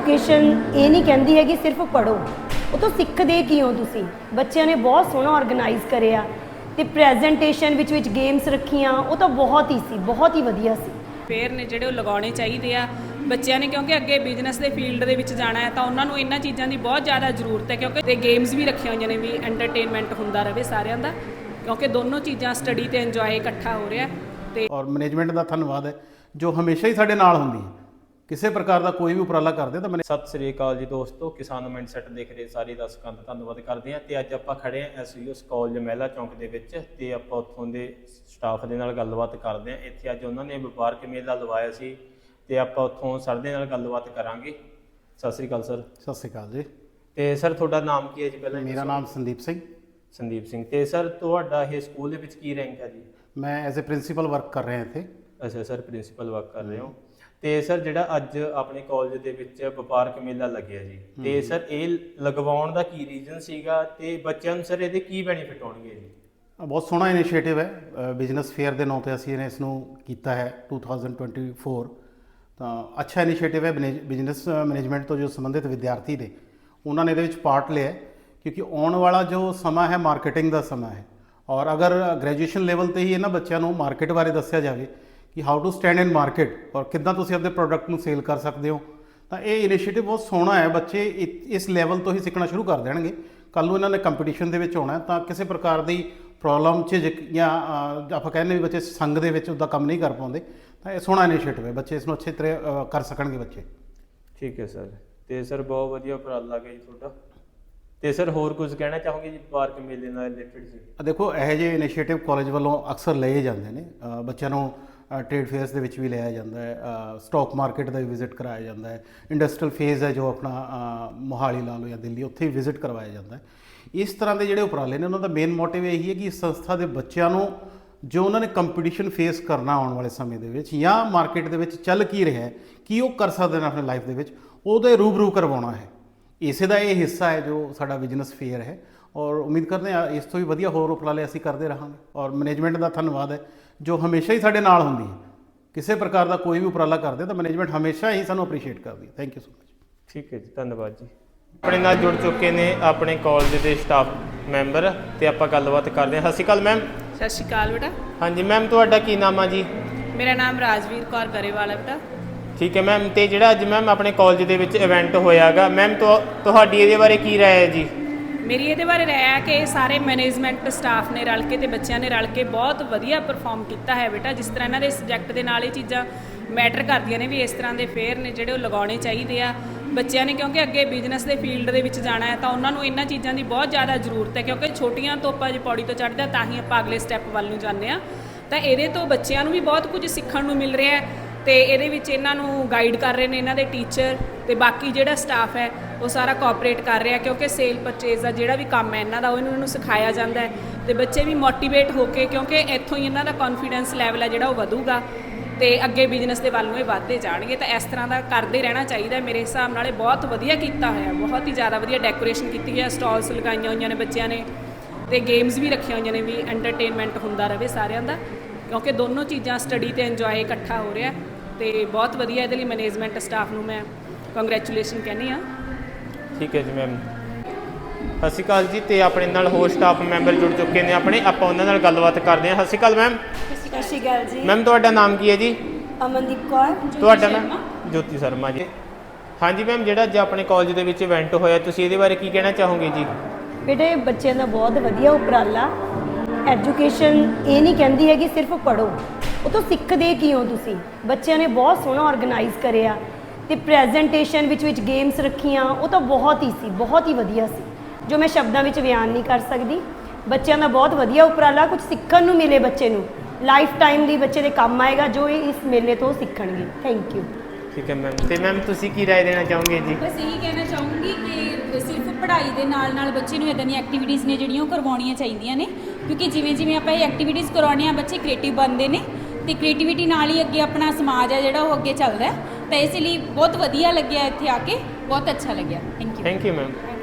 Education ਇਹ ਨਹੀਂ ਕਹਿੰਦੀ ਹੈ ਕਿ ਸਿਰਫ ਪੜ੍ਹੋ, ਉਹ ਤੋਂ ਸਿੱਖਦੇ ਕੀ ਹੋ ਤੁਸੀਂ। ਬੱਚਿਆਂ ਨੇ ਬਹੁਤ ਸੋਹਣਾ ਆਰਗੇਨਾਈਜ਼ ਕਰਿਆ ਤੇ ਪ੍ਰੈਜੈਂਟੇਸ਼ਨ ਵਿੱਚ ਗੇਮਸ ਰੱਖੀਆਂ, ਉਹ ਤਾਂ ਬਹੁਤ ਹੀ ਸੀ, ਬਹੁਤ ਹੀ ਵਧੀਆ ਸੀ। ਫੇਅਰ ਨੇ ਜਿਹੜੇ ਉਹ ਲਗਾਉਣੇ ਚਾਹੀਦੇ ਆ ਬੱਚਿਆਂ ਨੇ, ਕਿਉਂਕਿ ਅੱਗੇ ਬਿਜ਼ਨਸ ਦੇ ਫੀਲਡ ਦੇ ਵਿੱਚ ਜਾਣਾ ਹੈ ਤਾਂ ਉਹਨਾਂ ਨੂੰ ਇਹਨਾਂ ਚੀਜ਼ਾਂ ਦੀ ਬਹੁਤ ਜ਼ਿਆਦਾ ਜ਼ਰੂਰਤ ਹੈ, ਕਿਉਂਕਿ ਤੇ ਗੇਮਸ ਵੀ ਰੱਖੀਆਂ ਹੋਈਆਂ ਨੇ ਵੀ ਐਂਟਰਟੇਨਮੈਂਟ ਹੁੰਦਾ ਰਹੇ ਸਾਰਿਆਂ ਦਾ, ਕਿਉਂਕਿ ਦੋਨੋਂ ਚੀਜ਼ਾਂ ਸਟੱਡੀ ਤੇ ਇੰਜੋਏ ਇਕੱਠਾ ਹੋ ਰਿਹਾ। ਤੇ ਔਰ ਮੈਨੇਜਮੈਂਟ ਦਾ ਧੰਨਵਾਦ ਹੈ ਜੋ ਹਮੇਸ਼ਾ ਹੀ ਸਾਡੇ ਨਾਲ ਹੁੰਦੀ ਹੈ, ਕਿਸੇ ਪ੍ਰਕਾਰ ਦਾ ਕੋਈ ਵੀ ਉਪਰਾਲਾ ਕਰਦੇ ਤਾਂ ਸਤਿ ਸ੍ਰੀ ਅਕਾਲ ਜੀ ਦੋਸਤੋ, ਕਿਸਾਨ ਮਾਈਂਡਸੈਟ ਦੇਖ ਰਹੇ ਸਾਰੇ ਦਰਸ਼ਕਾਂ ਦਾ ਧੰਨਵਾਦ ਕਰਦੇ ਹਾਂ। ਤੇ ਅੱਜ ਆਪਾਂ ਖੜੇ ਹਾਂ ਐਸਯੂਐਸ ਕਾਲਜ ਮਹਿਲਾ ਚੌਂਕ ਦੇ ਵਿੱਚ ਤੇ ਆਪਾਂ ਉੱਥੋਂ ਦੇ ਸਟਾਫ ਦੇ ਨਾਲ ਗੱਲਬਾਤ ਕਰਦੇ ਹਾਂ। ਇੱਥੇ ਅੱਜ ਉਹਨਾਂ ਨੇ ਵਪਾਰਕ ਮੇਲਾ ਲਵਾਇਆ ਸੀ ਤੇ ਆਪਾਂ ਉੱਥੋਂ ਸਰ ਦੇ ਨਾਲ ਗੱਲਬਾਤ ਕਰਾਂਗੇ। ਸਤਿ ਸ੍ਰੀ ਅਕਾਲ ਸਰ। ਸਤਿ ਸ੍ਰੀ ਅਕਾਲ ਜੀ। ਤੇ ਸਰ ਤੁਹਾਡਾ ਨਾਮ ਕੀ ਹੈ ਜੀ? ਪਹਿਲਾਂ ਮੇਰਾ ਨਾਮ ਸੰਦੀਪ ਸਿੰਘ। ਸੰਦੀਪ ਸਿੰਘ। ਤੇ ਸਰ ਤੁਹਾਡਾ ਇਹ ਸਕੂਲ ਦੇ ਵਿੱਚ ਕੀ ਰੈਂਕ ਹੈ ਜੀ? ਮੈਂ ਐਜ਼ ਅ ਪ੍ਰਿੰਸੀਪਲ ਵਰਕ ਕਰ ਰਿਹਾ ਇੱਥੇ। ਅੱਛਾ ਸਰ, ਪ੍ਰਿੰਸੀਪਲ ਵਰਕ ਕਰ ਰਹੇ ਹੋ। ਤੇ ਸਰ ਜਿਹੜਾ ਅੱਜ ਆਪਣੇ ਕਾਲਜ ਦੇ ਵਿੱਚ ਵਪਾਰਕ ਮੇਲਾ ਲੱਗਿਆ ਜੀ, ਤੇ ਸਰ ਇਹ ਲਗਵਾਉਣ ਦਾ ਕੀ ਰੀਜ਼ਨ ਸੀਗਾ ਤੇ ਬੱਚਿਆਂ ਨੂੰ ਸਰ ਇਹਦੇ ਕੀ ਬੈਨੀਫਿਟ ਹੋਣਗੇ ਜੀ? ਬਹੁਤ ਸੋਹਣਾ ਇਨੀਸ਼ੀਏਟਿਵ ਹੈ, ਬਿਜ਼ਨਸ ਫੇਅਰ ਦੇ ਨਾਂ 'ਤੇ ਅਸੀਂ ਇਸ ਨੂੰ ਕੀਤਾ ਹੈ 2024। ਤਾਂ ਅੱਛਾ ਇਨੀਸ਼ੀਏਟਿਵ ਹੈ। ਬਿਜ਼ਨਸ ਮੈਨੇਜਮੈਂਟ ਤੋਂ ਜੋ ਸੰਬੰਧਿਤ ਵਿਦਿਆਰਥੀ ਨੇ ਉਹਨਾਂ ਨੇ ਇਹਦੇ ਵਿੱਚ ਪਾਰਟ ਲਿਆ, ਕਿਉਂਕਿ ਆਉਣ ਵਾਲਾ ਜੋ ਸਮਾਂ ਹੈ ਮਾਰਕੀਟਿੰਗ ਦਾ ਸਮਾਂ ਹੈ। ਔਰ ਅਗਰ ਗ੍ਰੈਜੂਏਸ਼ਨ ਲੈਵਲ 'ਤੇ ਹੀ ਇਹਨਾਂ ਬੱਚਿਆਂ ਨੂੰ ਮਾਰਕੀਟ ਬਾਰੇ ਦੱਸਿਆ ਜਾਵੇ ਕਿ how to stand in market ਔਰ ਕਿੱਦਾਂ ਤੁਸੀਂ ਆਪਣੇ ਪ੍ਰੋਡਕਟ ਨੂੰ ਸੇਲ ਕਰ ਸਕਦੇ ਹੋ, ਤਾਂ ਇਹ ਇਨੀਸ਼ੀਏਟਿਵ ਬਹੁਤ ਸੋਹਣਾ ਹੈ। ਬੱਚੇ ਇਸ ਲੈਵਲ ਤੋਂ ਹੀ ਸਿੱਖਣਾ ਸ਼ੁਰੂ ਕਰ ਦੇਣਗੇ। ਕੱਲ੍ਹ ਨੂੰ ਇਹਨਾਂ ਨੇ ਕੰਪੀਟੀਸ਼ਨ ਦੇ ਵਿੱਚ ਆਉਣਾ ਤਾਂ ਕਿਸੇ ਪ੍ਰਕਾਰ ਦੀ ਪ੍ਰੋਬਲਮ 'ਚ ਜਾਂ ਆਪਾਂ ਕਹਿੰਦੇ ਵੀ ਬੱਚੇ ਸੰਗ ਦੇ ਵਿੱਚ ਉੱਦਾਂ ਕੰਮ ਨਹੀਂ ਕਰ ਪਾਉਂਦੇ, ਤਾਂ ਇਹ ਸੋਹਣਾ ਇਨੀਸ਼ੀਏਟਿਵ ਹੈ। ਬੱਚੇ ਇਸ ਨੂੰ ਅੱਛੇ ਤਰ੍ਹਾਂ ਕਰ ਸਕਣਗੇ ਬੱਚੇ। ਠੀਕ ਹੈ ਸਰ। ਤੇ ਸਰ ਬਹੁਤ ਵਧੀਆ ਉਪਰਾਲਾ ਗਿਆ ਜੀ ਤੁਹਾਡਾ। ਤੇ ਸਰ ਹੋਰ ਕੁਝ ਕਹਿਣਾ ਚਾਹੋਗੇ ਜੀ ਵਪਾਰਕ ਮੇਲੇ ਨਾਲ ਰਿਲੇਟਡ ਜੀ? ਦੇਖੋ ਇਹੋ ਜਿਹੇ ਇਨੀਸ਼ੀਏਟਿਵ ਕਾਲਜ ਵੱਲੋਂ ਅਕਸਰ ਲਏ ਜਾਂਦੇ ਨੇ। ਬੱਚਿਆਂ ਨੂੰ ਟ੍ਰੇਡ ਫੇਅਰਸ ਦੇ ਵਿੱਚ ਵੀ ਲਿਆਇਆ ਜਾਂਦਾ ਹੈ, ਸਟਾਕ ਮਾਰਕੀਟ ਦਾ ਵੀ ਵਿਜ਼ਿਟ ਕਰਾਇਆ ਜਾਂਦਾ ਹੈ, ਇੰਡਸਟਰੀਅਲ ਫੇਜ਼ ਹੈ ਜੋ ਆਪਣਾ ਮੋਹਾਲੀ ਲਾ ਲਓ ਜਾਂ ਦਿੱਲੀ, ਉੱਥੇ ਵੀ ਵਿਜ਼ਿਟ ਕਰਵਾਇਆ ਜਾਂਦਾ ਹੈ। ਇਸ ਤਰ੍ਹਾਂ ਦੇ ਜਿਹੜੇ ਉਪਰਾਲੇ ਨੇ ਉਹਨਾਂ ਦਾ ਮੇਨ ਮੋਟਿਵ ਇਹੀ ਹੈ ਕਿ ਇਸ ਸੰਸਥਾ ਦੇ ਬੱਚਿਆਂ ਨੂੰ ਜੋ ਉਹਨਾਂ ਨੇ ਕੰਪੀਟੀਸ਼ਨ ਫੇਸ ਕਰਨਾ ਆਉਣ ਵਾਲੇ ਸਮੇਂ ਦੇ ਵਿੱਚ ਜਾਂ ਮਾਰਕੀਟ ਦੇ ਵਿੱਚ ਚੱਲ ਕੀ ਰਿਹਾ ਹੈ, ਕੀ ਉਹ ਕਰ ਸਕਦੇ ਨੇ ਆਪਣੀ ਲਾਈਫ ਦੇ ਵਿੱਚ, ਉਹਦੇ ਰੂਬਰੂ ਕਰਵਾਉਣਾ ਹੈ। ਇਸੇ ਦਾ ਇਹ ਹਿੱਸਾ ਹੈ ਜੋ ਸਾਡਾ ਬਿਜ਼ਨਸ ਫੇਅਰ ਹੈ। ਔਰ ਉਮੀਦ ਕਰਦੇ ਹਾਂ ਇਸ ਤੋਂ ਵੀ ਵਧੀਆ ਹੋਰ ਉਪਰਾਲੇ ਅਸੀਂ ਕਰਦੇ ਰਹਾਂਗੇ। ਔਰ ਮੈਨੇਜਮੈਂਟ ਦਾ ਧੰਨਵਾਦ ਹੈ ਜੋ ਹਮੇਸ਼ਾ ਹੀ ਸਾਡੇ ਨਾਲ ਹੁੰਦੀ ਹੈ, ਕਿਸੇ ਪ੍ਰਕਾਰ ਦਾ ਕੋਈ ਵੀ ਉਪਰਾਲਾ ਕਰਦੇ ਤਾਂ ਮੈਨੇਜਮੈਂਟ ਹਮੇਸ਼ਾ ਹੀ ਸਾਨੂੰ ਅਪਰੀਸ਼ੀਏਟ ਕਰਦੀ ਹੈ। Thank you so much. ਠੀਕ ਹੈ ਜੀ, ਧੰਨਵਾਦ ਜੀ। ਆਪਣੇ ਨਾਲ ਜੁੜ ਚੁੱਕੇ ਨੇ ਆਪਣੇ ਕਾਲਜ ਦੇ ਸਟਾਫ ਮੈਂਬਰ ਤੇ ਆਪਾਂ ਗੱਲਬਾਤ ਕਰਦੇ ਹਾਂ। ਸਤਿ ਸ਼੍ਰੀ ਅਕਾਲ ਮੈਮ। ਸਤਿ ਸ਼੍ਰੀ ਅਕਾਲ ਬੇਟਾ। ਹਾਂਜੀ ਮੈਮ, ਤੁਹਾਡਾ ਕੀ ਨਾਮ ਆ ਜੀ? ਮੇਰਾ ਨਾਮ ਰਾਜਵੀਰ ਕੌਰ ਗਰੇਵਾਲ ਹੈ ਬੇਟਾ। ਠੀਕ ਹੈ ਮੈਮ। ਤੇ ਜਿਹੜਾ ਅੱਜ ਮੈਮ ਆਪਣੇ ਕਾਲਜ ਦੇ ਵਿੱਚ ਇਵੈਂਟ ਹੋਇਆਗਾ ਮੈਮ, ਤੁਹਾਡੀ ਇਹਦੇ ਬਾਰੇ ਕੀ ਰਾਏ ਹੈ ਜੀ? ਮੇਰੀ ਇਹਦੇ ਬਾਰੇ ਰਾਏ ਹੈ ਕਿ ਸਾਰੇ ਮੈਨੇਜਮੈਂਟ ਸਟਾਫ ਨੇ ਰਲ ਕੇ ਤੇ ਬੱਚਿਆਂ ਨੇ ਰਲ ਕੇ ਬਹੁਤ ਵਧੀਆ ਪਰਫਾਰਮ ਕੀਤਾ ਹੈ ਬੇਟਾ। ਜਿਸ ਤਰ੍ਹਾਂ ਇਹਨਾਂ ਦੇ ਸਬਜੈਕਟ ਦੇ ਨਾਲ ਇਹ ਚੀਜ਼ਾਂ ਮੈਟਰ ਕਰਦੀਆਂ ਨੇ ਵੀ ਇਸ ਤਰ੍ਹਾਂ ਦੇ ਫੇਅਰ ਨੇ ਜਿਹੜੇ ਉਹ ਲਗਾਉਣੇ ਚਾਹੀਦੇ ਆ ਬੱਚਿਆਂ ਨੇ, ਕਿਉਂਕਿ ਅੱਗੇ ਬਿਜ਼ਨਸ ਦੇ ਫੀਲਡ ਦੇ ਵਿੱਚ ਜਾਣਾ ਹੈ ਤਾਂ ਉਹਨਾਂ ਨੂੰ ਇਹਨਾਂ ਚੀਜ਼ਾਂ ਦੀ ਬਹੁਤ ਜ਼ਿਆਦਾ ਜ਼ਰੂਰਤ ਹੈ, ਕਿਉਂਕਿ ਛੋਟੀਆਂ ਤੋਂ ਆਪਾਂ ਜੇ ਪੌੜੀ ਤੋਂ ਚੜ੍ਹਦੇ ਤਾਂ ਹੀ ਆਪਾਂ ਅਗਲੇ ਸਟੈਪ ਵੱਲ ਨੂੰ ਜਾਂਦੇ ਹਾਂ। ਤਾਂ ਇਹਦੇ ਤੋਂ ਬੱਚਿਆਂ ਨੂੰ ਵੀ ਬਹੁਤ ਕੁਝ ਸਿੱਖਣ ਨੂੰ ਮਿਲ ਰਿਹਾ ਹੈ ਤੇ ਇਹਦੇ ਵਿੱਚ ਇਹਨਾਂ ਨੂੰ ਗਾਈਡ ਕਰ ਰਹੇ ਨੇ ਇਹਨਾਂ ਦੇ ਟੀਚਰ ਤੇ ਬਾਕੀ ਜਿਹੜਾ ਸਟਾਫ ਹੈ ਉਹ ਸਾਰਾ ਕੋਆਪਰੇਟ ਕਰ ਰਿਹਾ, ਕਿਉਂਕਿ ਸੇਲ ਪਰਚੇਜ਼ ਦਾ ਜਿਹੜਾ ਵੀ ਕੰਮ ਹੈ ਇਹਨਾਂ ਦਾ ਉਹ ਇਹਨਾਂ ਨੂੰ ਸਿਖਾਇਆ ਜਾਂਦਾ ਹੈ ਤੇ ਬੱਚੇ ਵੀ ਮੋਟੀਵੇਟ ਹੋ ਕੇ, ਕਿਉਂਕਿ ਇੱਥੋਂ ਹੀ ਇਹਨਾਂ ਦਾ ਕੌਨਫੀਡੈਂਸ ਲੈਵਲ ਹੈ ਜਿਹੜਾ ਉਹ ਵਧੂਗਾ ਤੇ ਅੱਗੇ ਬਿਜ਼ਨਸ ਦੇ ਵੱਲ ਨੂੰ ਇਹ ਵੱਧਦੇ ਜਾਣਗੇ। ਤਾਂ ਇਸ ਤਰ੍ਹਾਂ ਦਾ ਕਰਦੇ ਰਹਿਣਾ ਚਾਹੀਦਾ। ਮੇਰੇ ਹਿਸਾਬ ਨਾਲ ਇਹ ਬਹੁਤ ਵਧੀਆ ਕੀਤਾ ਹੋਇਆ, ਬਹੁਤ ਹੀ ਜ਼ਿਆਦਾ ਵਧੀਆ ਡੈਕੋਰੇਸ਼ਨ ਕੀਤੀ ਹੈ, ਸਟਾਲਸ ਲਗਾਈਆਂ ਹੋਈਆਂ ਨੇ ਬੱਚਿਆਂ ਨੇ ਤੇ ਗੇਮਸ ਵੀ ਰੱਖੀਆਂ ਹੋਈਆਂ ਨੇ ਵੀ ਐਂਟਰਟੇਨਮੈਂਟ ਹੁੰਦਾ ਰਹੇ ਸਾਰਿਆਂ ਦਾ, ਕਿਉਂਕਿ ਦੋਨੋਂ ਚੀਜ਼ਾਂ ਸਟੱਡੀ ਤੇ ਇੰਜੋਏ ਇਕੱਠਾ ਹੋ ਰਿਹਾ ਤੇ ਬਹੁਤ ਵਧੀਆ। ਇਹਦੇ ਲਈ ਮੈਨੇਜਮੈਂਟ ਸਟਾਫ ਨੂੰ ਮੈਂ ਕੰਗ੍ਰੈਚੁਲੇਸ਼ਨ ਕਹਿੰਦੀ ਹਾਂ। ਠੀਕ ਹੈ ਜੀ ਮੈਮ। ਸਤਿ ਸ਼੍ਰੀ ਅਕਾਲ ਜੀ। ਤੇ ਆਪਣੇ ਨਾਲ ਹੋਰ ਸਟਾਫ ਮੈਂਬਰ ਜੁੜ ਚੁੱਕੇ ਨੇ ਆਪਣੇ, ਆਪਾਂ ਉਹਨਾਂ ਨਾਲ ਗੱਲਬਾਤ ਕਰਦੇ ਹਾਂ। ਸਤਿ ਸ਼੍ਰੀ ਅਕਾਲ ਮੈਮ। ਸਤਿ ਸ਼੍ਰੀ ਅਕਾਲ ਜੀ। ਮੈਮ ਤੁਹਾਡਾ ਨਾਮ ਕੀ ਹੈ ਜੀ? ਅਮਨਦੀਪ ਕੌਰ। ਤੁਹਾਡਾ ਮੈਮ? ਜੋਤੀ ਸ਼ਰਮਾ ਜੀ। ਹਾਂਜੀ ਮੈਮ, ਜਿਹੜਾ ਅੱਜ ਆਪਣੇ ਕਾਲਜ ਦੇ ਵਿੱਚ ਇਵੈਂਟ ਹੋਇਆ ਤੁਸੀਂ ਇਹਦੇ ਬਾਰੇ ਕੀ ਕਹਿਣਾ ਚਾਹੋਗੇ ਜੀ? ਬੇਟੇ ਬੱਚਿਆਂ ਦਾ ਬਹੁਤ ਵਧੀਆ ਉਪਰਾਲਾ। ਐਜੂਕੇਸ਼ਨ ਇਹ ਨਹੀਂ ਕਹਿੰਦੀ ਹੈ ਕਿ ਸਿਰਫ ਪੜ੍ਹੋ, ਉਹ ਤੋਂ ਸਿੱਖਦੇ ਕੀ ਹੋ ਤੁਸੀਂ। ਬੱਚਿਆਂ ਨੇ ਬਹੁਤ ਸੋਹਣਾ ਆਰਗੇਨਾਈਜ਼ ਕਰਿਆ ਤੇ ਪ੍ਰੈਜੈਂਟੇਸ਼ਨ ਵਿੱਚ ਗੇਮਸ ਰੱਖੀਆਂ, ਉਹ ਤਾਂ ਬਹੁਤ ਹੀ ਸੀ, ਬਹੁਤ ਹੀ ਵਧੀਆ ਸੀ, ਜੋ ਮੈਂ ਸ਼ਬਦਾਂ ਵਿੱਚ ਬਿਆਨ ਨਹੀਂ ਕਰ ਸਕਦੀ। ਬੱਚਿਆਂ ਦਾ ਬਹੁਤ ਵਧੀਆ ਉਪਰਾਲਾ, ਕੁਝ ਸਿੱਖਣ ਨੂੰ ਮਿਲੇ ਬੱਚੇ ਨੂੰ, ਲਾਈਫ ਟਾਈਮ ਲਈ ਬੱਚੇ ਦੇ ਕੰਮ ਆਏਗਾ ਜੋ ਇਹ ਇਸ ਮੇਲੇ ਤੋਂ ਸਿੱਖਣਗੇ। Thank you. ਠੀਕ ਹੈ ਮੈਮ। ਤੇ ਮੈਮ ਤੁਸੀਂ ਕੀ ਰਾਏ ਦੇਣਾ ਚਾਹੋਗੇ ਜੀ? ਬਸ ਇਹੀ ਕਹਿਣਾ ਚਾਹੂੰਗੀ ਕਿ ਸਿਰਫ ਪੜ੍ਹਾਈ ਦੇ ਨਾਲ ਬੱਚੇ ਨੂੰ ਇੱਦਾਂ ਦੀਆਂ ਐਕਟੀਵਿਟੀਜ਼ ਨੇ ਜਿਹੜੀਆਂ ਉਹ ਕਰਵਾਉਣੀਆਂ ਚਾਹੀਦੀਆਂ ਨੇ, ਕਿਉਂਕਿ ਜਿਵੇਂ ਆਪਾਂ ਇਹ ਐਕਟੀਵਿਟੀਜ਼ ਕਰਵਾਉਂਦੇ ਹਾਂ ਬੱਚੇ ਕ੍ਰੀਏਟਿਵ ਬਣਦੇ ਨੇ ਤੇ ਕ੍ਰੀਏਟੀਵਿਟੀ ਨਾਲ ਹੀ ਅੱਗੇ ਆਪਣਾ ਸਮਾਜ ਹੈ ਜਿਹੜਾ ਉਹ ਅੱਗੇ ਚੱਲਦਾ ਹੈ। ਤਾਂ ਇਸ ਲਈ ਬਹੁਤ ਵਧੀਆ ਲੱਗਿਆ ਇੱਥੇ ਆ ਕੇ, ਬਹੁਤ ਅੱਛਾ ਲੱਗਿਆ। Thank you. Thank you ma'am.